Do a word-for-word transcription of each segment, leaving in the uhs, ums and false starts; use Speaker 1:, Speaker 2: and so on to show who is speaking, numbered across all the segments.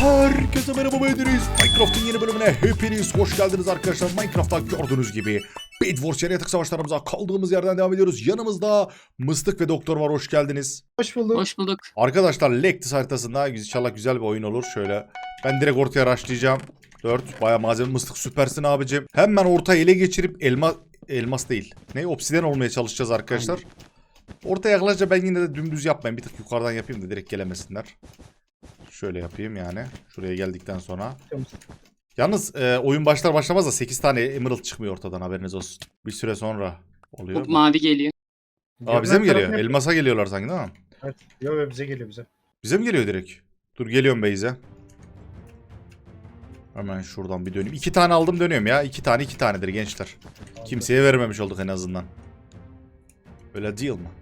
Speaker 1: Herkese merhaba, ben Deniz. Minecraft'ın yeni bölümüne hepiniz hoş geldiniz arkadaşlar. Minecraft'ta gördüğünüz gibi Bed Wars yaratık savaşlarımıza kaldığımız yerden devam ediyoruz. Yanımızda Mıstık ve Doktor var, hoş geldiniz.
Speaker 2: Hoş bulduk.
Speaker 3: Hoş bulduk.
Speaker 1: Arkadaşlar Lektis haritasında inşallah güzel bir oyun olur. Şöyle ben direkt ortaya rushlayacağım. dört bayağı malzeme. Mıstık süpersin abicim. Hemen ortaya ele geçirip elma elmas değil. Ne? Obsidyen olmaya çalışacağız arkadaşlar. Aynen. Ortaya yaklaşınca ben yine de dümdüz yapmayayım. Bir tık yukarıdan yapayım da direkt gelemesinler. Şöyle yapayım yani. Şuraya geldikten sonra. Yalnız e, oyun başlar başlamaz da sekiz tane emerald çıkmıyor ortadan, haberiniz olsun. Bir süre sonra oluyor.
Speaker 3: Hop, mavi geliyor.
Speaker 1: Aa, bize mi geliyor? Elmasa geliyorlar sanki, değil mi?
Speaker 2: Evet. Yok, bize geliyor bize.
Speaker 1: Bize mi geliyor direkt? Dur geliyorum Beyze. Hemen şuradan bir döneyim. İki tane aldım, dönüyorum ya. İki tane iki tanedir gençler. Aldım. Kimseye vermemiş olduk en azından. Öyle değil mi?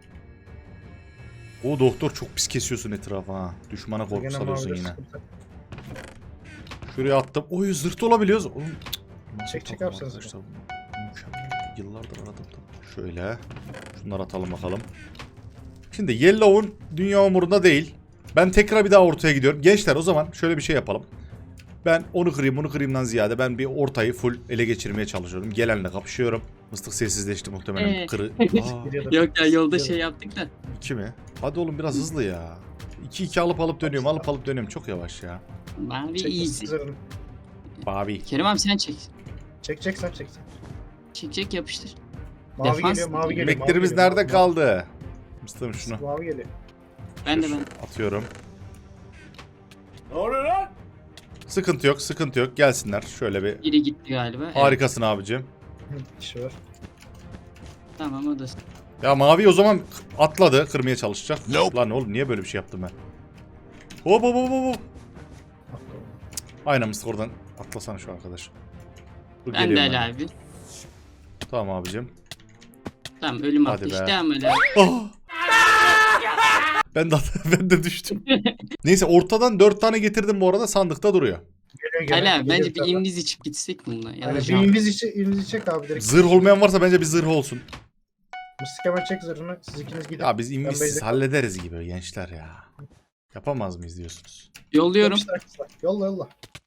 Speaker 1: O doktor çok pis kesiyorsun etrafı ha. Düşmana korku salıyorsun yine. Sıkıntı. Şuraya attım. Oy, zırt olabiliyoruz. Oğlum,
Speaker 2: çek çek yapsanız.
Speaker 1: Mükemmel. Yıllardır aradım. Şöyle. Şunları atalım bakalım. Şimdi Yellow'un dünya umurunda değil. Ben tekrar bir daha ortaya gidiyorum. Gençler, o zaman şöyle bir şey yapalım. Ben onu kırayım bunu kırayımdan ziyade ben bir ortayı full ele geçirmeye çalışıyorum. Gelenle kapışıyorum. Mıstık sessizleşti muhtemelen.
Speaker 3: Ee.
Speaker 1: Kırı.
Speaker 3: Yok ya, yolda şey yaptık da.
Speaker 1: İki mi? Hadi oğlum biraz hızlı ya. iki iki alıp alıp dönüyorum, alıp alıp dönüyorum. Çok yavaş ya.
Speaker 3: Mavi easy.
Speaker 1: Mavi.
Speaker 3: Kerim abi sen çek.
Speaker 2: Çek çek sen çek sen.
Speaker 3: Çek çek yapıştır.
Speaker 2: Mavi
Speaker 3: Defans
Speaker 2: geliyor, mavi geliyor.
Speaker 1: Yemeklerimiz
Speaker 2: mavi
Speaker 1: nerede
Speaker 2: geliyor,
Speaker 1: kaldı? Mıstığım şunu.
Speaker 2: Mavi geliyor.
Speaker 3: Ben de ben.
Speaker 1: Atıyorum. Ne oluyor lan? Sıkıntı yok, sıkıntı yok. Gelsinler. Şöyle bir.
Speaker 3: Biri gitti galiba.
Speaker 1: Harikasın evet. Abicim.
Speaker 2: İşi var.
Speaker 3: Tamam, o da.
Speaker 1: Ya mavi o zaman atladı. Kırmaya çalışacak. Nope. Lan oğlum niye böyle bir şey yaptım ben? Hop hop hop hop. Aynen Mıstık, oradan atlasana şu arkadaş. Dur,
Speaker 3: Ben de Ali abi.
Speaker 1: Tamam abicim.
Speaker 3: Tamam, ölüm
Speaker 1: hadi
Speaker 3: attı
Speaker 1: be.
Speaker 3: işte ama Ali abi.
Speaker 1: Oh. ben de ben de düştüm. Neyse, ortadan dört tane getirdim bu arada, sandıkta duruyor.
Speaker 2: Geliyor, geliyor,
Speaker 3: Ali abi
Speaker 2: geliyor,
Speaker 3: bence bir
Speaker 2: geliyor.
Speaker 3: inviz içip gitsek bununla. Ya
Speaker 2: Yani
Speaker 3: da
Speaker 2: bir
Speaker 3: jump.
Speaker 2: inviz içi, inviz çek abi direkt.
Speaker 1: Zırh olmayan varsa bence bir zırh olsun.
Speaker 2: Mıstık hemen çek zırhını. Siz ikiniz gidin.
Speaker 1: Ya biz invizsiz
Speaker 2: basic-
Speaker 1: hallederiz gibi gençler ya. Yapamaz mıyız diyorsunuz?
Speaker 3: Yolluyorum.
Speaker 2: Yapıştır, yolla yolla.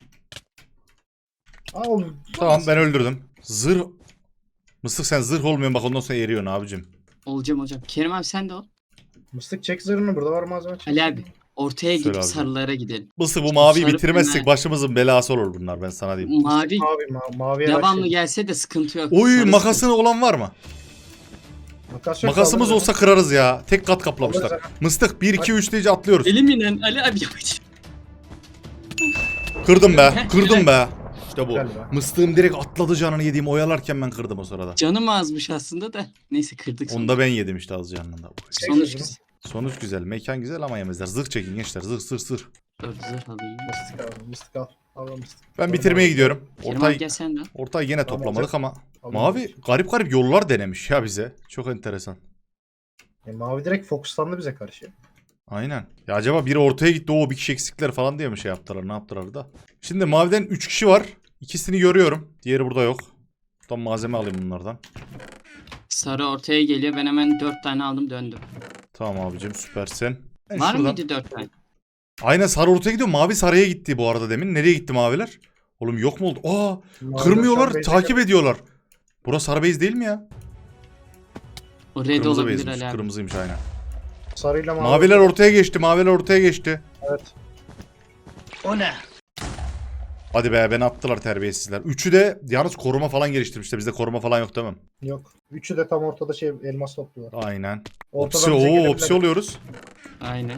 Speaker 2: Aa, oğlum.
Speaker 1: Tamam, ben öldürdüm. Zırh. Mıstık sen zırh olmuyorsun bak, ondan sonra eriyorsun abicim.
Speaker 3: Olacağım hocam. Kerim abi sen de ol.
Speaker 2: Mıstık çek zırhını, burada var malzeme çek.
Speaker 3: Ali abi ortaya
Speaker 1: Söyle
Speaker 3: gidip
Speaker 1: abi.
Speaker 3: sarılara gidelim.
Speaker 1: Mıstık, bu maviyi
Speaker 3: Sarı
Speaker 1: bitirmezsek
Speaker 3: fena.
Speaker 1: başımızın belası olur bunlar, ben sana diyeyim.
Speaker 3: Mavi
Speaker 2: Mavi, ma mavi
Speaker 3: devamlı gelse de sıkıntı yok.
Speaker 1: Oy,
Speaker 3: Sarı
Speaker 1: makası
Speaker 3: sıkıntı.
Speaker 1: olan var mı?
Speaker 2: Makas yok,
Speaker 1: Makasımız
Speaker 2: kaldırın.
Speaker 1: olsa kırarız ya. Tek kat kaplamışlar.
Speaker 2: Alırız
Speaker 1: Mıstık bir iki üç deyince atlıyoruz.
Speaker 3: Elim inen Ali abi yapacak.
Speaker 1: Kırdım be. Kırdım be. İşte bu.
Speaker 2: Galiba.
Speaker 1: Mıstığım direkt atladı, canını yediğim oyalarken ben kırdım o sırada.
Speaker 3: Canım azmış aslında da. Neyse kırdık.
Speaker 1: Onu da ben yedim işte az canında.
Speaker 2: Çek
Speaker 3: Sonuç
Speaker 2: zırhını.
Speaker 3: güzel.
Speaker 1: Sonuç güzel. Mekan güzel ama yemezler. Zırh çekin gençler. Zırh zırh zırh.
Speaker 3: Dur zırh alayım.
Speaker 2: Mıstık al, mıstık al. Al mıstık.
Speaker 1: Ben bitirmeye gidiyorum.
Speaker 3: Kerim abi
Speaker 1: Ortayı,
Speaker 3: gel sen de.
Speaker 1: ortayı yine
Speaker 2: Tamam,
Speaker 1: toplamadık ama.
Speaker 2: Al,
Speaker 1: Mavi garip garip yollar denemiş ya bize. Çok enteresan.
Speaker 2: E, mavi direkt fokuslandı bize karşı.
Speaker 1: Aynen. Ya acaba biri ortaya gitti, o bir kişi eksikler falan diye mi şey yaptılar, ne yaptılar da. Şimdi maviden üç kişi var. İkisini görüyorum. Diğeri burada yok. Buradan malzeme alayım bunlardan.
Speaker 3: Sarı ortaya geliyor. Ben hemen dört tane aldım döndüm.
Speaker 1: Tamam abicim, süpersin. Ben
Speaker 3: Var
Speaker 1: şuradan-
Speaker 3: mıydı dört tane?
Speaker 1: Aynen, sarı ortaya gidiyor. Mavi sarıya gitti bu arada demin. Nereye gitti maviler? Oğlum yok mu oldu? Aa,
Speaker 2: Maviler
Speaker 1: kırmıyorlar,
Speaker 2: şu an
Speaker 1: takip ediyorlar. Burası sarı base değil mi ya?
Speaker 3: O red
Speaker 1: Kırmızı
Speaker 3: olabilir
Speaker 1: base'miş.
Speaker 3: Ali abi.
Speaker 1: Kırmızıymış aynen.
Speaker 2: Sarıyla mavi.
Speaker 1: Maviler ortaya geçti. Maviler ortaya geçti.
Speaker 2: Evet.
Speaker 3: O ne?
Speaker 1: Hadi be, beni attılar terbiyesizler. Üçü de yalnız koruma falan geliştirmişler. Bizde koruma falan yok değil mi?
Speaker 2: Yok. Üçü de tam ortada şey elmas topluyorlar.
Speaker 1: Aynen.
Speaker 2: Ortadan
Speaker 1: Opsi,
Speaker 2: bize
Speaker 1: oo,
Speaker 2: gelebilirler.
Speaker 1: opsi oluyoruz.
Speaker 3: Aynen.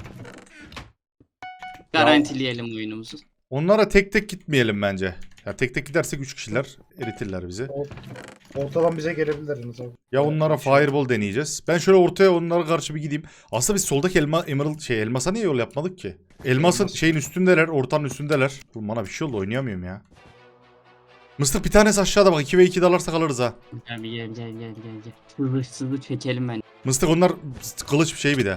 Speaker 3: Garantileyelim oyunumuzu.
Speaker 1: Onlara tek tek gitmeyelim bence. Ya tek tek gidersek üç kişiler eritirler bizi.
Speaker 2: Ortadan bize gelebilirler yalnız abi.
Speaker 1: Ya onlara fireball deneyeceğiz. Ben şöyle ortaya onlara karşı bir gideyim. Aslında biz soldaki elma, emerald şey elmasa niye yol yapmadık ki? Elmasın
Speaker 2: Elmas.
Speaker 1: şeyin üstündeler, ortanın üstündeler. Oğlum bana bir şey oldu, oynayamıyorum ya. Mıstık bir tanesi aşağıda bak, iki ve iki dalarsak alırız ha.
Speaker 3: Abi gel gel gel gel gel. Hızlı hızlı çekelim ben.
Speaker 1: Mıstık onlar kılıç bir şey bir de.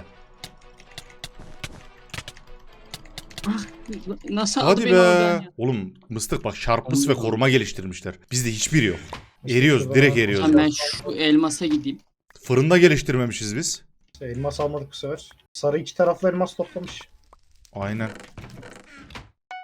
Speaker 3: Ah, nasıl aldı
Speaker 1: Hadi
Speaker 3: beni
Speaker 1: be.
Speaker 3: oradan ya?
Speaker 1: Oğlum Mıstık bak, sharpness ve
Speaker 3: Allah.
Speaker 1: koruma geliştirmişler. Bizde hiçbiri yok.
Speaker 2: Mıstık
Speaker 1: Eriyoruz,
Speaker 2: şurada
Speaker 1: direkt
Speaker 2: var.
Speaker 1: eriyoruz.
Speaker 3: Tamam, ben şu elmasa gideyim.
Speaker 1: Fırında geliştirmemişiz biz.
Speaker 2: Elmas almadık bu sefer. Sarı iki taraflı elmas toplamış.
Speaker 1: Aynen.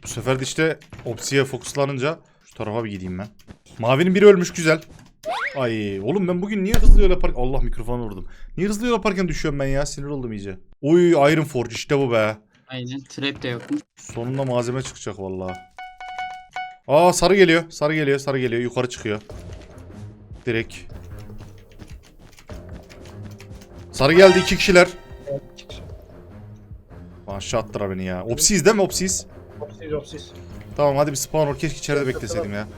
Speaker 1: Bu sefer de işte Opsi'ye fokuslanınca şu tarafa bir gideyim ben. Mavinin biri ölmüş, güzel. Ay oğlum ben bugün niye hızlı yol yaparken... Allah, mikrofonu vurdum. Niye hızlı yol yaparken düşüyorum ben ya? Sinir oldum iyice. Oy, Iron Forge işte bu be.
Speaker 3: Aynen. Trap de yokmuş.
Speaker 1: Sonunda malzeme çıkacak vallahi. Aa, sarı geliyor. Sarı geliyor. Sarı geliyor. Yukarı çıkıyor. Direkt. Sarı geldi, iki kişiler. Aşağı attılar beni ya. Opsiyiz değil mi, opsiyiz?
Speaker 2: Opsiz opsiz.
Speaker 1: Tamam hadi bir spawn ol. Keşke içeride bekleseydim ya.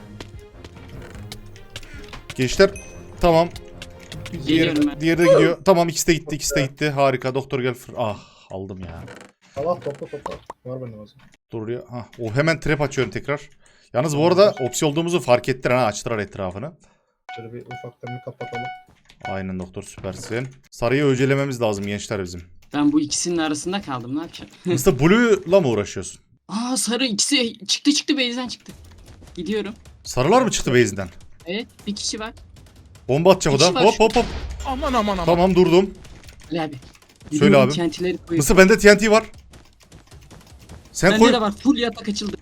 Speaker 1: Gençler. Tamam. Diğeri,
Speaker 3: Geliyorum ben.
Speaker 1: diğeri de gidiyor. Tamam, ikisi de gitti. ikisi de gitti. Harika. Doktor gel. fır- Ah, aldım ya.
Speaker 2: Allah topla topla. Var benim o zaman.
Speaker 1: Dur ya. Hah, o hemen trap açıyorum tekrar. Yalnız bu arada opsi olduğumuzu fark ettiler ha. Açtılar etrafını.
Speaker 2: Şöyle bir ufaktan bir kapatalım.
Speaker 1: Aynen doktor, süpersin. Sarıyı öcelememiz lazım gençler bizim.
Speaker 3: Ben bu ikisinin arasında kaldım. Ne yapacağım?
Speaker 1: mister Blue'la mı uğraşıyorsun?
Speaker 3: Aa, sarı ikisi çıktı çıktı base'den çıktı. Gidiyorum.
Speaker 1: Sarılar mı çıktı base'den?
Speaker 3: Evet, bir kişi var.
Speaker 1: Bomba atacak o da.
Speaker 3: İkisi var
Speaker 1: Hop
Speaker 3: şu-
Speaker 1: hop hop.
Speaker 4: Aman aman aman.
Speaker 1: Tamam, durdum.
Speaker 3: Ali abi.
Speaker 1: Söyle
Speaker 3: Gidiyorum,
Speaker 1: abi.
Speaker 3: Kentileri koyuyorum.
Speaker 1: Mısır, bende T N T var. Sen
Speaker 3: Bende
Speaker 1: koy.
Speaker 3: de var. Full yatak açıldı.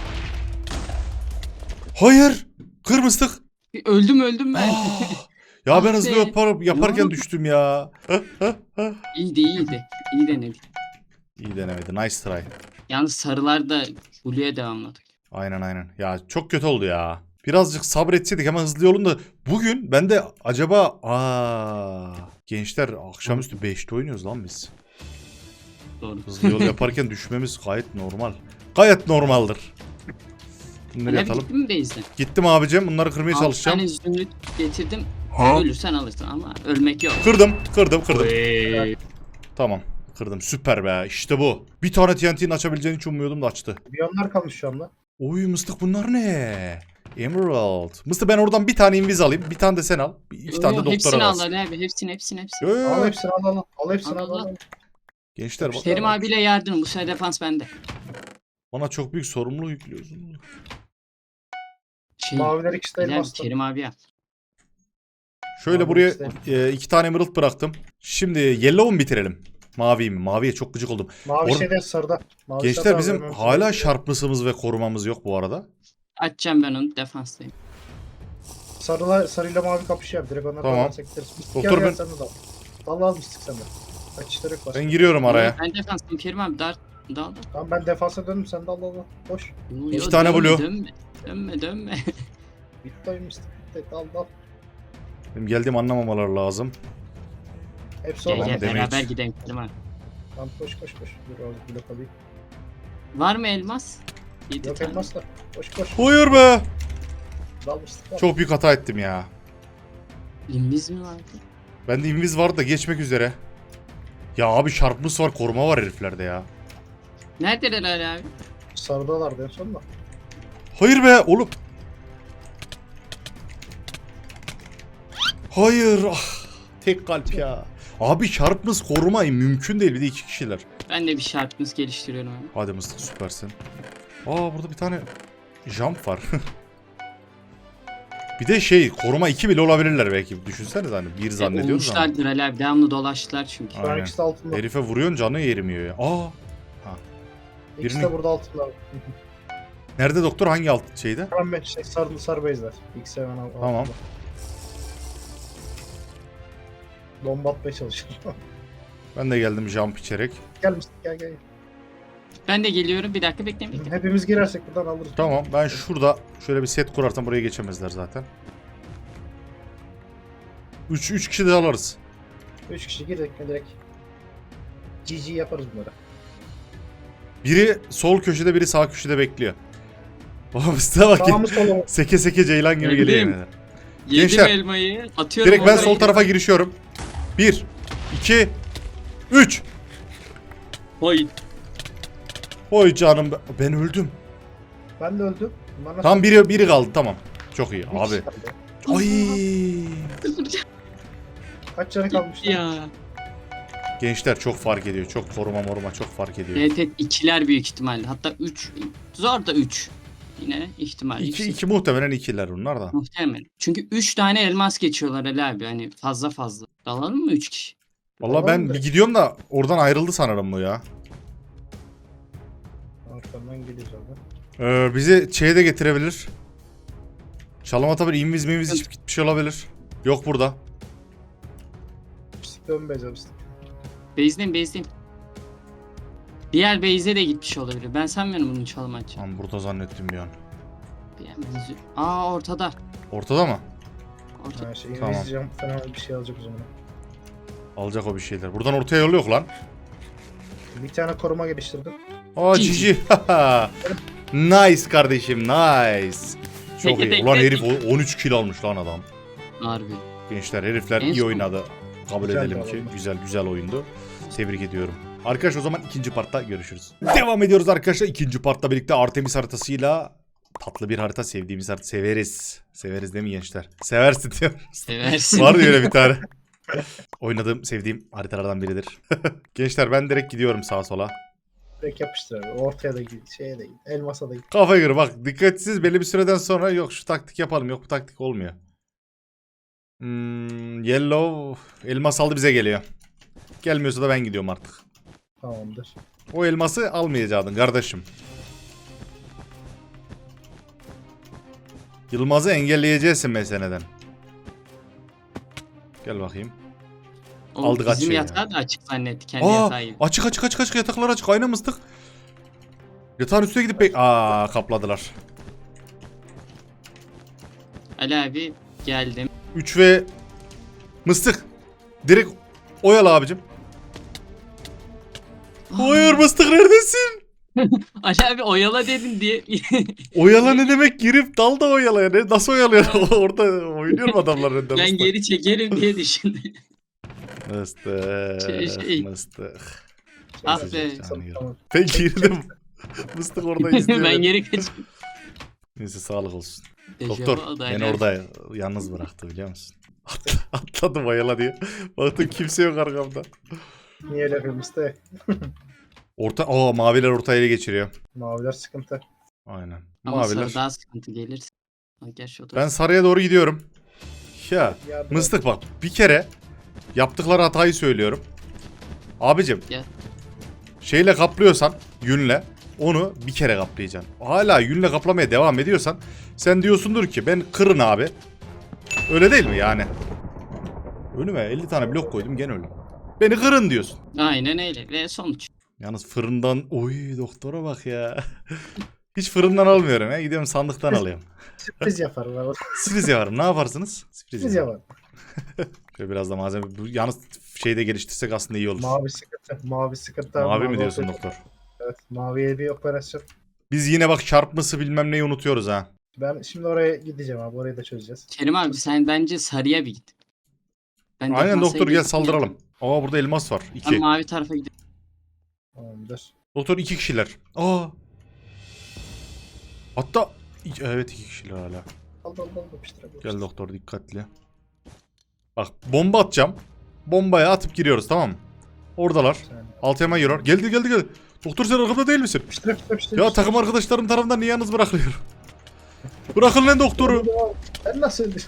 Speaker 1: Hayır. Kır mıstık.
Speaker 3: Öldüm öldüm ben.
Speaker 1: Ya
Speaker 3: Ah
Speaker 1: ben hızlı
Speaker 3: be.
Speaker 1: yapar, yaparken
Speaker 3: Yok.
Speaker 1: düştüm ya.
Speaker 3: iyiydi iyiydi. İyi denedik.
Speaker 1: İyi denemedi. Nice try.
Speaker 3: Yalnız sarılar da Blue'ya devamladık.
Speaker 1: Aynen aynen. Ya çok kötü oldu ya. Birazcık sabretseydik, hemen hızlı yolun da. Bugün ben de acaba... Aa, gençler akşamüstü beşte oynuyoruz lan biz.
Speaker 3: Doğru.
Speaker 1: Hızlı yol yaparken düşmemiz gayet normal. Gayet normaldir. Bunları
Speaker 3: Ali abi
Speaker 1: yatalım.
Speaker 3: gittin mi base'den?
Speaker 1: Gittim abicim. Bunları kırmaya
Speaker 3: Altı
Speaker 1: çalışacağım.
Speaker 3: tane zümrüt getirdim.
Speaker 4: Ha?
Speaker 3: Ölürsen alırsın ama ölmek yok.
Speaker 1: Kırdım. Kırdım. Kırdım.
Speaker 3: Oy.
Speaker 1: Tamam. Kırdım. Süper be. İşte bu. Bir tane T N T'nin açabileceğini hiç ummuyordum da açtı.
Speaker 2: Biyonlar kalmış şu anda.
Speaker 1: Oy mıstık, bunlar ne? Emerald. Mıstık, ben oradan bir tane inviz alayım. Bir tane de sen al. Bir- İki
Speaker 3: Yo,
Speaker 1: tane de
Speaker 3: yo,
Speaker 1: doktora
Speaker 3: hepsini al
Speaker 1: al.
Speaker 3: Ali abi. Hepsini hepsini hepsini.
Speaker 1: Yo, yo,
Speaker 2: Al
Speaker 1: yo.
Speaker 2: hepsini al al. Al hepsini
Speaker 3: Al,
Speaker 2: al
Speaker 3: al.
Speaker 2: al.
Speaker 1: Gençler bak,
Speaker 3: Kerim abiyle yardım. Bu sefer defans bende.
Speaker 1: bana çok büyük sorumluluk yüklüyorsun.
Speaker 3: Şey,
Speaker 2: Maviler ikisi de
Speaker 3: Ali abi,
Speaker 2: elmaslı.
Speaker 3: Kerim abi yap.
Speaker 1: Şöyle
Speaker 2: Mavi
Speaker 1: buraya
Speaker 2: işte.
Speaker 1: e, iki tane emerald bıraktım. Şimdi yellow'u mu bitirelim? Maviyi mi? Maviye çok gıcık oldum.
Speaker 2: Mavi
Speaker 1: Or-
Speaker 2: şeyde sarıda. Mavi
Speaker 1: Gençler
Speaker 2: sarıda
Speaker 1: bizim
Speaker 2: vermemiz
Speaker 1: hala
Speaker 2: gerekiyor.
Speaker 1: şarpmısımız ve korumamız yok bu arada.
Speaker 3: Açacağım ben onu, defanstayım.
Speaker 2: Sarılar, sarıyla mavi kapışıyor. Direkt onlar
Speaker 1: Tamam.
Speaker 2: da gideriz.
Speaker 1: Doktor
Speaker 2: Doktor
Speaker 1: ben-
Speaker 2: ben... Sen de dal. Dal almıştık sen de. Kaçışları yok başka.
Speaker 1: Ben giriyorum araya.
Speaker 3: Ben defanstayım Kerim abi. Dar, dal.
Speaker 2: Tamam ben defansa döndüm sen de al al al. Boş.
Speaker 3: Yo,
Speaker 1: İki
Speaker 3: yo,
Speaker 1: tane
Speaker 3: dönme,
Speaker 1: blue.
Speaker 3: Dönme dönme dönme.
Speaker 2: Bitti oyunmuştuk. Bitti. Dal dal.
Speaker 1: Benim geldiğimi anlamamaları lazım.
Speaker 2: Hepsi
Speaker 3: Gel
Speaker 1: Tamam,
Speaker 2: orada.
Speaker 3: gel
Speaker 1: damage.
Speaker 3: beraber gidelim Kerim abi.
Speaker 2: Tamam koş koş koş. Dur az blok alayım.
Speaker 3: Var mı elmas? yedi
Speaker 2: Yok
Speaker 3: tane.
Speaker 2: elmas da. Koş koş.
Speaker 1: Hayır be.
Speaker 2: Dal mıstık dal.
Speaker 1: Çok büyük hata ettim ya.
Speaker 3: İmbiz mi vardı?
Speaker 1: Bende inviz vardı da geçmek üzere. Ya abi şarpmış var, koruma var heriflerde ya.
Speaker 3: Neredeler Ali abi?
Speaker 2: Sarıdalardı en son da.
Speaker 1: Hayır be oğlum. Hayır. Ah, tek kalp ya. Abi şarpmış korumayı mümkün değil, bir de iki kişiler.
Speaker 3: Ben de bir şartımız geliştiriyorum abi.
Speaker 1: Hadi mıstık, süpersin. Aa, burada bir tane jump var. Bir de şey, koruma iki bile olabilirler belki. Düşünsenize hani bir zannediyoruz ama.
Speaker 3: Olmuşlardır Ali abi. Devamlı dolaştılar çünkü.
Speaker 2: Şu an
Speaker 1: Aynen.
Speaker 2: ikisi de altında.
Speaker 1: Herife vuruyorsun, canı yerimiyor ya. Aa.
Speaker 2: İkisi
Speaker 1: birini-
Speaker 2: de burada altında.
Speaker 1: Nerede doktor, hangi alt şeyde?
Speaker 2: Hemen ben şey sarılı sarı bezler. İkisi hemen al-
Speaker 1: Tamam.
Speaker 2: altında. Bomba atmaya çalışıyorum.
Speaker 1: Ben de geldim jump içerek.
Speaker 2: Gel mıstık gel gel.
Speaker 3: Ben de geliyorum. Bir dakika bekleyin bekleyin.
Speaker 2: Hepimiz girersek buradan alırız.
Speaker 1: Tamam, ben şurada şöyle bir set kurarsam buraya geçemezler zaten. üç üç kişi de alırız.
Speaker 2: Üç kişi girdik mi direkt. G G yaparız bunları.
Speaker 1: Biri sol köşede, biri sağ köşede bekliyor. Oğlum size bakayım.
Speaker 2: Sağımız solumuz.
Speaker 1: Seke seke ceylan gibi
Speaker 3: Geldim.
Speaker 1: geliyor. yani.
Speaker 3: Yedim
Speaker 1: Gençler,
Speaker 3: elmayı. Atıyorum.
Speaker 1: Direkt ben
Speaker 3: oraya.
Speaker 1: sol tarafa girişiyorum. bir, iki, üç.
Speaker 3: Hoy.
Speaker 1: Oy canım, be- ben öldüm.
Speaker 2: Ben de öldüm. Bunlar nasıl-
Speaker 1: Tam biri biri kaldı, tamam. Çok iyi
Speaker 2: Bir
Speaker 1: abi.
Speaker 2: kişi kaldı.
Speaker 1: Ay.
Speaker 2: Kaç canı kalmış? lan?
Speaker 3: Ya.
Speaker 1: Gençler çok fark ediyor. Çok koruma moruma çok fark ediyor.
Speaker 3: Evet evet, ikiler büyük ihtimalle. Hatta üç. Zor da üç. Yine ihtimal.
Speaker 1: İki,
Speaker 3: yüksek.
Speaker 1: iki muhtemelen ikiler bunlar da.
Speaker 3: Muhtemelen. Çünkü üç tane elmas geçiyorlar Ali abi. Hani fazla fazla. Dalalım mı üç kişi?
Speaker 1: Vallahi ben
Speaker 2: Tamam da-
Speaker 1: bir gidiyorum da oradan ayrıldı sanırım bu ya.
Speaker 2: Arkamdan gidiyoruz orada.
Speaker 1: Ee, bizi şeye de getirebilir. Çalım atabilir. İnviz mimiz içip gitmiş olabilir. Yok burada.
Speaker 2: Pislik dönmeyeceğim pislik.
Speaker 3: Base'deyim base'deyim. Diğer base'e de gitmiş olabilir. Ben sanmıyorum bunun çalım atacağım.
Speaker 1: Ben burada zannettim bir an.
Speaker 3: Aa ortada.
Speaker 1: Ortada mı?
Speaker 3: Ortada.
Speaker 2: Ha şey
Speaker 1: Tamam.
Speaker 2: İngilizcem falan bir şey alacak o zaman.
Speaker 1: Alacak o bir şeyler. Buradan ortaya yol yok lan.
Speaker 2: Bir tane koruma geliştirdim.
Speaker 1: Aa
Speaker 3: Cici.
Speaker 1: cici. Nice kardeşim nice. Çok
Speaker 3: Teke
Speaker 1: iyi.
Speaker 3: tek
Speaker 1: Ulan
Speaker 3: tek.
Speaker 1: herif o- on üç kill almış lan adam.
Speaker 3: Harbi.
Speaker 1: Gençler herifler
Speaker 3: En
Speaker 1: iyi
Speaker 3: son-
Speaker 1: oynadı. Kabul
Speaker 2: Güzel
Speaker 1: edelim
Speaker 2: bir
Speaker 1: ki
Speaker 2: oyundu.
Speaker 1: güzel güzel oyundu. Tebrik ediyorum. Arkadaş o zaman ikinci partta görüşürüz. Devam ediyoruz arkadaşlar. İkinci partta birlikte Artemis haritasıyla tatlı bir harita, sevdiğimiz harita. Severiz. Severiz değil mi gençler? Seversin diyor.
Speaker 3: Seversin.
Speaker 1: Var öyle bir tane. Oynadığım, sevdiğim haritalardan biridir. Gençler ben direkt gidiyorum sağa sola.
Speaker 2: Direkt yapıştır abi. Ortaya da git. Şeye de git. Elmasa da git.
Speaker 1: Kafaya göre bak dikkatsiz belli bir süreden sonra yok şu taktik yapalım, yok bu taktik olmuyor. Hmm, yellow elmas aldı bize geliyor. Gelmiyorsa da ben gidiyorum artık.
Speaker 2: Tamamdır.
Speaker 1: O elması almayacaktın kardeşim. Yılmaz'ı engelleyeceksin meseleden. Gel bakayım.
Speaker 3: O
Speaker 1: aldık
Speaker 3: bizim
Speaker 1: açıyor ya.
Speaker 3: yatağı da açık zannetti. Kendi
Speaker 1: Aa,
Speaker 3: yatağı gibi.
Speaker 1: açık açık açık açık yataklar açık ayna mıstık. Yatağın üstüne gidip bek... Aa kapladılar.
Speaker 3: Ali abi geldim.
Speaker 1: üç ve mıstık. Direkt oyala abicim. Hayır mıstık neredesin?
Speaker 3: Ali abi oyala dedin diye.
Speaker 1: Oyala ne demek? Girip dal da oyala ya. Ne- Nasıl oyalıyor? Orada oynuyor mu adamlar önünde
Speaker 3: ben
Speaker 1: mıstık?
Speaker 3: geri çekerim diye düşündüm.
Speaker 1: Mıstık.
Speaker 3: Şey, şey.
Speaker 1: Mıstık.
Speaker 3: Ah
Speaker 1: Mesaj
Speaker 3: be.
Speaker 1: atacağım. Anlıyorum.
Speaker 2: Tamam.
Speaker 1: Ben girdim. Mıstık orada izliyor.
Speaker 3: ben geri kaçtım.
Speaker 1: Neyse sağlık olsun.
Speaker 3: Dejavu
Speaker 1: Doktor
Speaker 3: oldu
Speaker 1: beni
Speaker 3: Ali abi.
Speaker 1: orada yalnız bıraktı biliyor musun? Atla- Atladım oyala diye. Baktım kimse yok arkamda.
Speaker 2: Niye öyle yapıyorsun işte?
Speaker 1: Orta, aa maviler orta ele geçiriyor.
Speaker 2: Maviler sıkıntı.
Speaker 1: Aynen.
Speaker 3: Ama
Speaker 1: Maviler.
Speaker 3: sarı daha sıkıntı gelir. Ha, Gerçi o da.
Speaker 1: Ben sarıya doğru gidiyorum. Ya
Speaker 2: Yardım
Speaker 1: mıstık bak bir kere yaptıkları hatayı söylüyorum. Abicim
Speaker 3: Ya.
Speaker 1: şeyle kaplıyorsan yünle onu bir kere kaplayacaksın. Hala yünle kaplamaya devam ediyorsan sen diyorsundur ki ben kırın abi. Öyle değil mi yani? Önüme elli tane blok koydum gene öyle. Beni kırın diyorsun.
Speaker 3: Aynen öyle. Ve sonuç.
Speaker 1: Yalnız fırından oy doktora bak ya. Hiç fırından almıyorum ya. Gidiyorum sandıktan alıyorum.
Speaker 2: Sürpriz yaparım abi.
Speaker 1: Sürpriz yaparım. Ne yaparsınız? Sürpriz
Speaker 2: Sürpriz
Speaker 1: yaparım.
Speaker 2: yaparım.
Speaker 1: Şöyle biraz da malzeme. Bu, yalnız şeyde geliştirsek aslında iyi olur. Mavi,
Speaker 2: Mavi sıkıntı. Mavi sıkıntı.
Speaker 1: mi diyorsun
Speaker 2: operasyon.
Speaker 1: doktor?
Speaker 2: Evet. Maviye bir operasyon.
Speaker 1: Biz yine bak çarpması bilmem neyi unutuyoruz ha.
Speaker 2: Ben şimdi oraya gideceğim abi. Orayı da çözeceğiz.
Speaker 3: Kerim abi sen bence sarıya bir git. Ben
Speaker 1: Aynen
Speaker 3: defansa
Speaker 1: doktor gel
Speaker 3: geçtim
Speaker 1: saldıralım.
Speaker 3: ya.
Speaker 1: Aa burada elmas var.
Speaker 3: Ben
Speaker 1: İki.
Speaker 3: mavi tarafa gidiyorum.
Speaker 2: Tamamdır.
Speaker 1: Doktor iki kişiler. Aa. Hatta iki- evet iki kişiler hala.
Speaker 2: Al al al yapıştırabiliriz.
Speaker 1: Gel doktor dikkatli. Bak bomba atacağım. Bombaya atıp giriyoruz tamam mı? Oradalar.
Speaker 2: Sen-
Speaker 1: Altı hemen yürür. Geldi geldi geldi. Doktor sen arkamda değil misin?
Speaker 2: Yapıştır yapıştır yapıştır.
Speaker 1: Ya takım arkadaşlarım tarafından niye yalnız bırakılıyorum? Bırakın lan doktoru.
Speaker 2: Ben nasıl öldüm?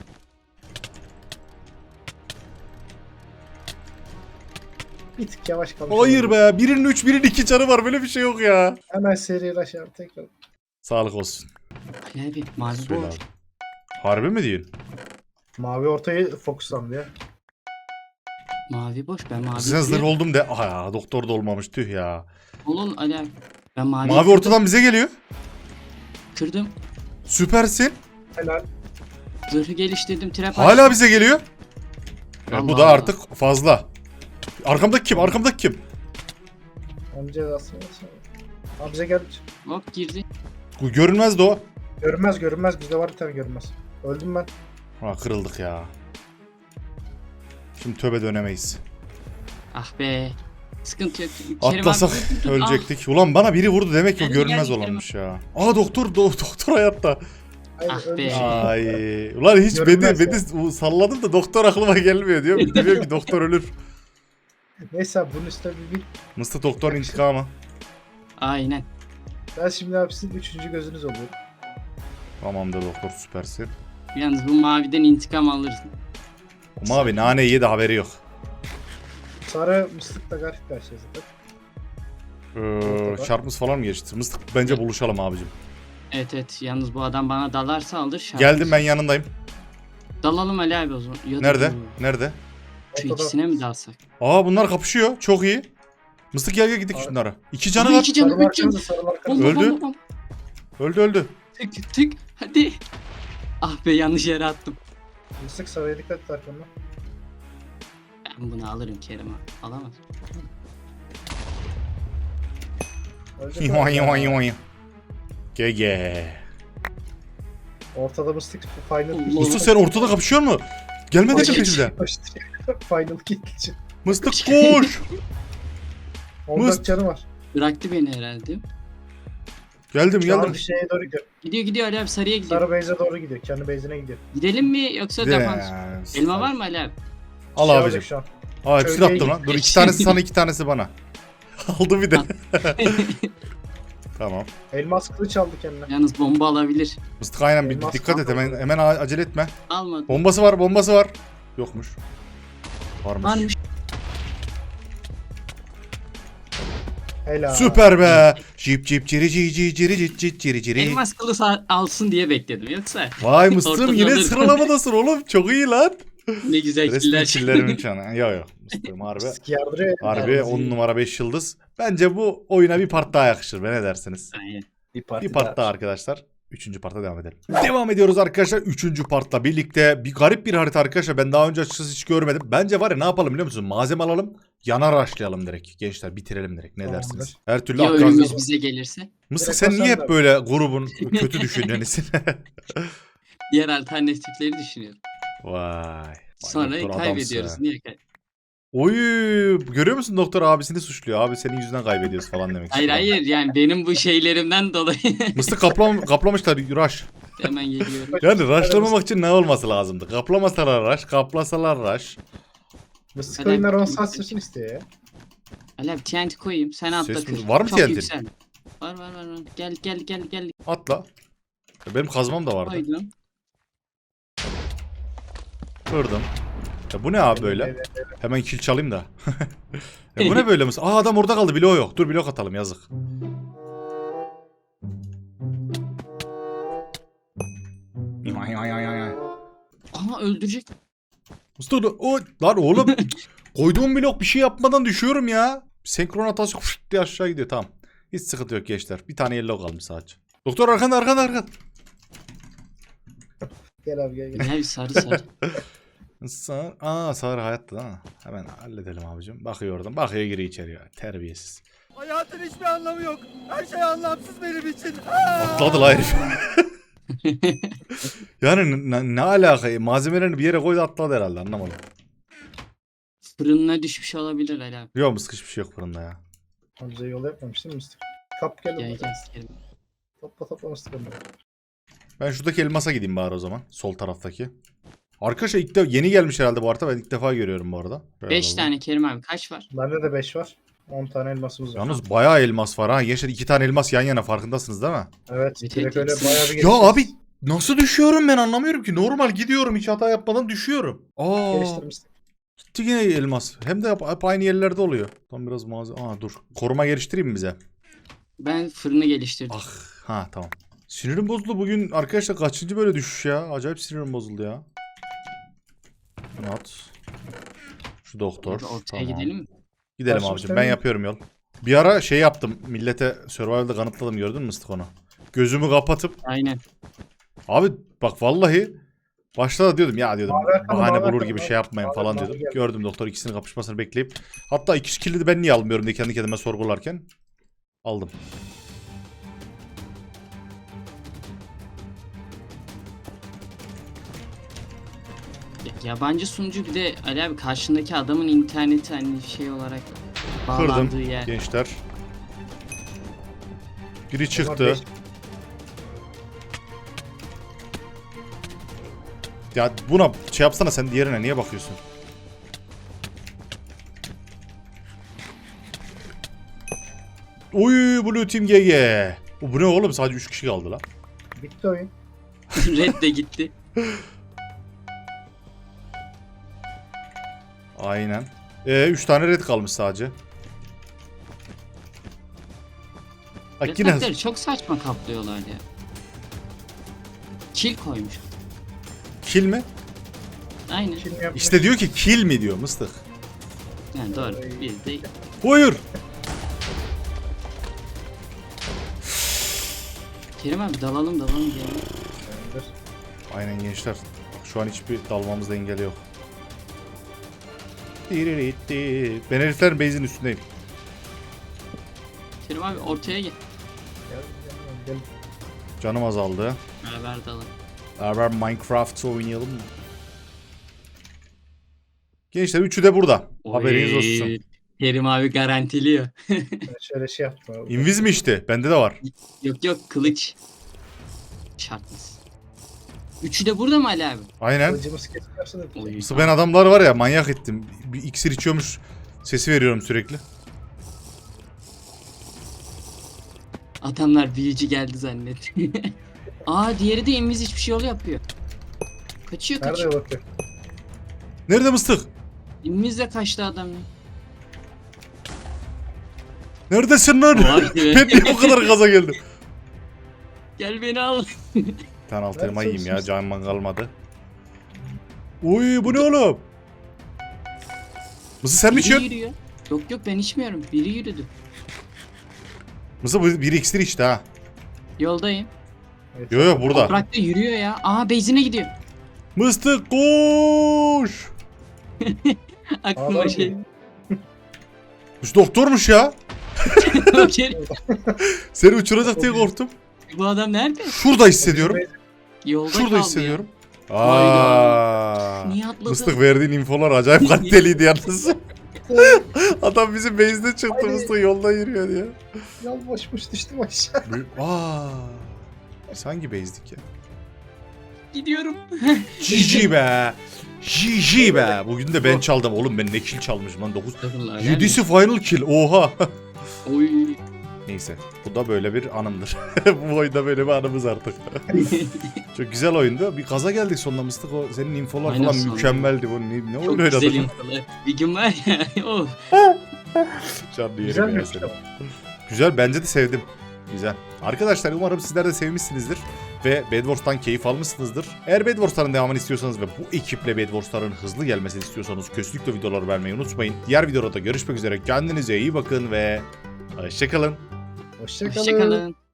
Speaker 2: Bir tık yavaş kalmış.
Speaker 1: Hayır
Speaker 2: olabilir.
Speaker 1: be. Birinin üç, birinin iki canı var. Böyle bir şey yok ya.
Speaker 2: Hemen serileşelim tekrar.
Speaker 1: Sağlık olsun.
Speaker 3: Ali abi mavi
Speaker 1: Söyle
Speaker 3: boş.
Speaker 1: abi. Harbi mi diyorsun?
Speaker 2: Mavi ortayı fokuslandı ya.
Speaker 3: Mavi boş. Ben mavi
Speaker 1: Sizden zırh
Speaker 3: kırıyorum.
Speaker 1: oldum de. Aha ya doktor da olmamış tüh ya.
Speaker 3: Olun Ali abi. Ben mavi,
Speaker 1: Mavi ortadan bize geliyor.
Speaker 3: kırdım.
Speaker 1: Süpersin.
Speaker 2: Helal.
Speaker 3: Zırhı geliştirdim. Trap
Speaker 1: Hala
Speaker 3: açtım.
Speaker 1: bize geliyor. E, bu
Speaker 3: Allah
Speaker 1: da
Speaker 3: Allah.
Speaker 1: artık fazla. Arkamdaki kim? Arkamdaki kim?
Speaker 2: Onun cezasını versene. Abi bize gel.
Speaker 3: Hop girdi.
Speaker 1: Bu görünmezdi o.
Speaker 2: Görünmez görünmez. Bizde var bir tane görünmez. Öldüm ben.
Speaker 1: Ha kırıldık ya. Şimdi töbe dönemeyiz.
Speaker 3: Ah be. Sıkıntı yok. Kerim
Speaker 1: Atlasak
Speaker 3: abi, dur, dur, dur.
Speaker 1: ölecektik. Ulan bana biri vurdu demek ki o
Speaker 3: Geldi,
Speaker 1: görünmez
Speaker 3: geldi,
Speaker 1: olanmış ya. Aa doktor do- doktor hayatta.
Speaker 2: Hayır,
Speaker 3: Ah
Speaker 2: öldüm.
Speaker 3: be.
Speaker 1: Ay. Ulan hiç beni,
Speaker 2: Görünmez
Speaker 1: beni salladım da doktor aklıma gelmiyor diyor. Biliyorum ki doktor ölür.
Speaker 2: Neyse abi bunun üstüne bir bil.
Speaker 1: Mıstık doktor intikamı.
Speaker 3: Aynen.
Speaker 2: Ben şimdi abi sizin üçüncü gözünüz oluyorum.
Speaker 1: Tamamdır doktor süpersin.
Speaker 3: Yalnız bu maviden intikam alırız.
Speaker 1: O mavi naneyi yedi haberi yok.
Speaker 2: Sarı mıstıkla garip karşıya zaten.
Speaker 1: Ee, şarpımız falan mı geçti? Mıstık bence buluşalım abicim.
Speaker 3: Evet evet. Yalnız bu adam bana dalarsa alır şarkı.
Speaker 1: Geldim ben yanındayım.
Speaker 3: Dalalım Ali abi o zaman. Ya da
Speaker 1: Nerede?
Speaker 3: dalalım.
Speaker 1: Nerede?
Speaker 3: Şu
Speaker 2: Ortada.
Speaker 3: ikisine mi dalsak?
Speaker 1: Aa bunlar kapışıyor. Çok iyi. Mıstık gel gel gidelim
Speaker 2: Abi.
Speaker 1: şunlara. İki canı
Speaker 3: Aha,
Speaker 1: var.
Speaker 3: iki canı,
Speaker 2: Sarı
Speaker 3: üç
Speaker 2: markanızı
Speaker 3: canı.
Speaker 2: sarı markanızı.
Speaker 3: Bomba,
Speaker 1: Öldü.
Speaker 3: bomba, bomba.
Speaker 1: Öldü öldü.
Speaker 3: Tık tık. Hadi. Ah be yanlış yere attım.
Speaker 2: Mıstık sarıya dikkat et arkamda.
Speaker 3: Ben bunu alırım Kerim abi. Alamaz.
Speaker 2: Ölecek
Speaker 1: Yoy
Speaker 2: abi.
Speaker 1: yoy yoy. G G.
Speaker 2: Ortada mıstık final.
Speaker 3: Allah.
Speaker 1: Mıstık sen ortada kapışıyor mu? Gelme dedim
Speaker 3: Koş.
Speaker 1: peşimden.
Speaker 2: Final kill için.
Speaker 1: Mıstık koş.
Speaker 2: on
Speaker 1: Mıst.
Speaker 2: dört canı var.
Speaker 3: Bıraktı beni herhalde.
Speaker 1: Geldim
Speaker 2: Şu an
Speaker 1: geldim.
Speaker 2: bir şeye doğru gidiyor.
Speaker 3: Gidiyor gidiyor Ali abi sarıya gidiyor.
Speaker 2: Sarı base'e doğru gidiyor. Kendi base'ine gidiyor.
Speaker 3: Gidelim mi yoksa defans?
Speaker 1: Yes.
Speaker 3: Elma var mı Ali abi?
Speaker 1: Al
Speaker 2: Şey
Speaker 1: abicim.
Speaker 2: alacak şu an.
Speaker 1: Aa hepsini
Speaker 2: Şöyle
Speaker 1: attım lan. Dur iki tanesi sana iki tanesi bana. Aldı bir de. Tamam.
Speaker 2: Elmas kılıç aldı kendine.
Speaker 3: Yalnız bomba alabilir.
Speaker 1: Mıstık aynen bir
Speaker 2: Elmas
Speaker 1: dikkat et
Speaker 2: kaldı.
Speaker 1: hemen hemen acele etme.
Speaker 3: Almadı.
Speaker 1: Bombası var bombası var. Yokmuş. Varmış.
Speaker 3: Varmış.
Speaker 2: Helal.
Speaker 1: Süper be. Cip cip ciri ciri ciri ciri ciri ciri ciri ciri.
Speaker 3: Elmas kılıç al- alsın diye bekledim yoksa.
Speaker 1: Vay mıstım
Speaker 3: Ortada
Speaker 1: yine
Speaker 3: alırım.
Speaker 1: sıralamadasın oğlum. Çok iyi lan.
Speaker 3: Ne güzel
Speaker 1: Resmi
Speaker 3: killer.
Speaker 1: killerimin çanı. Yok yok. Mıstım harbi.
Speaker 2: Mıstık yardırıyor.
Speaker 1: Harbi
Speaker 2: Yalnız
Speaker 1: on
Speaker 2: iyi.
Speaker 1: numara beş yıldız. Bence bu oyuna bir part daha yakışır. Be ne dersiniz?
Speaker 3: Aynen.
Speaker 2: Bir parti
Speaker 1: Bir part daha arkadaşlar. Üçüncü parta devam edelim. Devam ediyoruz arkadaşlar. Üçüncü partla birlikte bir garip bir harita arkadaşlar. Ben daha önce açıkçası hiç görmedim. Bence var ya ne yapalım biliyor musun? Malzeme alalım. Yana raşlayalım direkt. Gençler bitirelim direkt. Ne
Speaker 2: Tamamdır.
Speaker 1: dersiniz? Her türlü
Speaker 3: Ya
Speaker 1: akran...
Speaker 3: ölümümüz bize gelirse?
Speaker 1: Mısık
Speaker 2: Direkt
Speaker 1: sen niye hep
Speaker 2: basanlar.
Speaker 1: böyle grubun kötü düşüncenisin?
Speaker 3: Diğer alternatifleri düşünüyorum.
Speaker 1: Vay.
Speaker 3: Sonra
Speaker 1: Vay, doktor
Speaker 3: kaybediyoruz.
Speaker 1: adamsın.
Speaker 3: Niye kay
Speaker 1: Oy, görüyor musun doktor abisini suçluyor. Abi senin yüzünden kaybediyoruz falan demek
Speaker 3: Hayır
Speaker 1: istiyor.
Speaker 3: hayır yani benim bu şeylerimden dolayı
Speaker 1: Mıstık kaplam kaplamışlar rush.
Speaker 3: hemen geliyorum.
Speaker 1: Yani rushlamamak için ne olması lazımdı? Kaplamasalar rush, kaplasalar rush.
Speaker 2: Mıstık
Speaker 3: Helal.
Speaker 2: oyunlar on saat sürsün istiyor ya.
Speaker 3: Ali abi T N T koyayım sen atla
Speaker 1: Ses mi-
Speaker 3: kır.
Speaker 1: var mı
Speaker 3: Çok
Speaker 1: T N T?
Speaker 3: yüksel. Var var var. var. Gel gel gel gel.
Speaker 1: Atla. Ya benim kazmam da vardı.
Speaker 3: Koydum.
Speaker 1: Kırdım. Ya bu ne abi böyle? Hemen kill çalayım da. Ya bu ne böyle mis? Aa adam orada kaldı. Bloğu yok. Dur blok atalım yazık. Ay, ay, ay, ay, ay.
Speaker 3: Aha öldürecek.
Speaker 1: Mustafa o lan oğlum. Koyduğum blok bir şey yapmadan düşüyorum ya. Senkron hatası fışt diye aşağı gidiyor tamam. Hiç sıkıntı yok gençler. Bir tane yellow kalmış sadece. Doktor arkanda arkanda arkanda.
Speaker 2: Gel abi gel gel.
Speaker 3: Gel sarı sarı.
Speaker 1: Sağır. Aa sağır hayatta ha. Hemen halledelim abicim. Bakıyor oradan. Bakıyor giriyor içeri. Terbiyesiz.
Speaker 4: Hayatın hiçbir anlamı yok. Her şey anlamsız benim için.
Speaker 1: Atladı la herif. Yani ne, ne alaka? Malzemelerini bir yere koydu atladı herhalde anlamadım.
Speaker 3: Fırınına düşmüş olabilir Ali abi.
Speaker 1: Yok mıskış bir şey yok fırında ya.
Speaker 2: O bize yol yapmamış değil mi Mıstık? Kap gel.
Speaker 3: Gel
Speaker 2: Gel,
Speaker 3: gel sikerim.
Speaker 2: Topla topla Mıstık onu.
Speaker 1: Ben şuradaki elmasa gideyim bari o zaman. Sol taraftaki. Arkadaşlar ilk de yeni gelmiş herhalde bu harita. Ben ilk defa görüyorum bu arada. Şöyle
Speaker 3: beş
Speaker 1: alalım.
Speaker 3: tane Kerim abi kaç var?
Speaker 2: Bende de beş var. on tane elmasımız var.
Speaker 1: Yalnız bayağı elmas var ha. Gençler iki tane elmas yan yana farkındasınız değil mi?
Speaker 2: Evet.
Speaker 3: Evet,
Speaker 2: Direkt
Speaker 3: evet,
Speaker 2: öyle
Speaker 3: hepsi-
Speaker 2: bayağı bir
Speaker 1: Ya
Speaker 2: geliştiririz.
Speaker 1: abi nasıl düşüyorum ben anlamıyorum ki. Normal gidiyorum hiç hata yapmadan düşüyorum. Aa.
Speaker 2: Geliştirmiştik.
Speaker 1: Gitti yine elmas. Hem de hep, hep aynı yerlerde oluyor. Tam biraz malzeme. Aa dur. Koruma geliştireyim mi bize?
Speaker 3: Ben fırını geliştirdim.
Speaker 1: Ah. Ha tamam. Sinirim bozuldu bugün arkadaşlar kaçıncı böyle düşüş ya. Acayip sinirim bozuldu ya. Bunu at. Şu doktor.
Speaker 3: Abi ortaya
Speaker 1: Tamam.
Speaker 3: gidelim mi?
Speaker 1: Gidelim
Speaker 2: Başlamış
Speaker 1: abicim. Ben
Speaker 2: değil mi?
Speaker 1: yapıyorum yol. Bir ara şey yaptım. Millete Survival'da kanıtladım gördün mü Mıstık onu? Gözümü kapatıp.
Speaker 3: Aynen.
Speaker 1: Abi bak vallahi. Başta da diyordum ya diyordum.
Speaker 2: Mavi arkadan,
Speaker 1: Bahane
Speaker 2: mavi
Speaker 1: bulur
Speaker 2: arkadan,
Speaker 1: gibi
Speaker 2: mavi-
Speaker 1: şey yapmayın
Speaker 2: mavi-
Speaker 1: falan
Speaker 2: mavi
Speaker 1: diyordum.
Speaker 2: geldi.
Speaker 1: Gördüm doktor ikisinin kapışmasını bekleyip. Hatta iki kilidi de ben niye almıyorum diye kendi kendime sorgularken. Aldım.
Speaker 3: Ya- Yabancı sunucu bir de Ali abi karşındaki adamın interneti hani şey olarak bağlandığı
Speaker 1: Kırdım
Speaker 3: yer.
Speaker 1: gençler. Biri
Speaker 2: Bunlar
Speaker 1: çıktı.
Speaker 2: beş-
Speaker 1: Ya buna şey yapsana sen diğerine niye bakıyorsun? Oy Blue Team G G. O bu ne oğlum sadece üç kişi kaldı lan.
Speaker 2: Bitti oyun.
Speaker 3: Red de gitti.
Speaker 1: Aynen. Ee, üç tane red kalmış sadece. Bak yine
Speaker 3: Yatakları çok saçma kaplıyorlar ya. Kil koymuş.
Speaker 1: kill mi?
Speaker 3: Aynen.
Speaker 2: Kim yapmış?
Speaker 1: İşte diyor ki kill mi diyor mıstık.
Speaker 3: Yani doğru. Biz de
Speaker 1: Buyur.
Speaker 3: Kerim abi dalalım dalalım diyelim.
Speaker 2: Tamamdır.
Speaker 1: Aynen gençler. Bak şu an hiçbir dalmamızda engel yok. Diriritti. Ben heriflerin base'in üstündeyim.
Speaker 3: Kerim abi ortaya gel.
Speaker 2: Gel, gel, gel.
Speaker 1: Canım azaldı.
Speaker 3: Beraber dalalım.
Speaker 1: Beraber Minecraft oynayalım mı? Gençler üçü de burada. Haberiniz
Speaker 3: Oy,
Speaker 1: olsun.
Speaker 3: Kerim abi garantiliyor.
Speaker 2: Ben şöyle şey yaptım abi.
Speaker 1: Invis mi işte? Bende de var.
Speaker 3: Yok yok kılıç. Şartlısı. Üçü de burada mı Ali abi?
Speaker 1: Aynen.
Speaker 2: Kılıcımız kesiyorsa da
Speaker 3: Oy,
Speaker 1: Mısır ben adamlar var ya manyak ettim. Bir iksir içiyormuş sesi veriyorum sürekli.
Speaker 3: Adamlar büyücü geldi zannet. Aa diğeri de inviz hiçbir şey yol yapıyor. Kaçıyor
Speaker 2: nerede
Speaker 3: kaçıyor.
Speaker 2: bakıyor?
Speaker 1: Nerede mıstık?
Speaker 3: İnviz de kaçtı adam ya.
Speaker 1: Neredesin lan?
Speaker 3: Vay be.
Speaker 1: Ben niye bu kadar gaza geldim?
Speaker 3: Gel beni al.
Speaker 1: Bir tane alt elma
Speaker 2: Nerede
Speaker 1: yiyeyim ya
Speaker 2: çalışıyorsun?
Speaker 1: canım kalmadı. Uy bu ne oğlum? Mısır sen mi
Speaker 3: Biri
Speaker 1: içiyorsun?
Speaker 3: yürüyor. Yok yok ben içmiyorum. Biri yürüdü.
Speaker 1: Mısır bu bir iksir içti ha.
Speaker 3: Yoldayım.
Speaker 2: Evet.
Speaker 1: Yo yo burada.
Speaker 3: Toprakta yürüyor ya. Aa beyzine gidiyor.
Speaker 1: Mıstık koş.
Speaker 3: Aklıma
Speaker 2: Ağlar
Speaker 3: şey.
Speaker 2: mı?
Speaker 1: Bu doktormuş ya.
Speaker 3: Kerim,
Speaker 1: Seni uçuracak diye korktum.
Speaker 3: bu adam nerede?
Speaker 1: Şurada hissediyorum.
Speaker 3: Yolda
Speaker 1: Şurada
Speaker 3: kaldı
Speaker 1: hissediyorum.
Speaker 3: Hayda.
Speaker 1: Aa.
Speaker 3: Niye atladın?
Speaker 1: Mıstık verdiğin infolar acayip kaliteliydi yalnız. Adam bizim base'de çıktı
Speaker 2: Haydi.
Speaker 1: Mıstık yolda yürüyor diye.
Speaker 2: Yal boşmuş düştüm aşağı.
Speaker 1: Aa. Biz hangi base'dik ya?
Speaker 3: Gidiyorum.
Speaker 1: G G be. G G be. Bugün de ben çaldım. Oğlum ben ne kill çalmışım lan dokuz. yedisi final kill. Oha.
Speaker 3: Oy.
Speaker 1: Neyse. Bu da böyle bir anımdır. Bu oyunda böyle bir anımız artık. Çok güzel oyundu. Bir kaza geldik sonunda Mıstık. O senin infolar
Speaker 3: Aynen
Speaker 1: falan
Speaker 3: sonunda.
Speaker 1: mükemmeldi. Bu ne, ne
Speaker 3: Çok
Speaker 1: oyun
Speaker 3: güzel
Speaker 1: oynadın?
Speaker 3: infolar. Bir gün var ya. Oh.
Speaker 1: Canlı yerim
Speaker 2: Güzel
Speaker 1: ya
Speaker 2: mi?
Speaker 1: seni. Güzel bence de sevdim. Güzel. Arkadaşlar umarım sizler de sevmişsinizdir ve Bed Wars'tan keyif almışsınızdır. Eğer Bed Wars'ların devamını istiyorsanız ve bu ekiple Bed Wars'ların hızlı gelmesini istiyorsanız kesinlikle videoları vermeyi unutmayın. Diğer videoda görüşmek üzere. Kendinize iyi bakın ve hoşçakalın.
Speaker 2: Hoşçakalın.
Speaker 3: Hoşçakalın.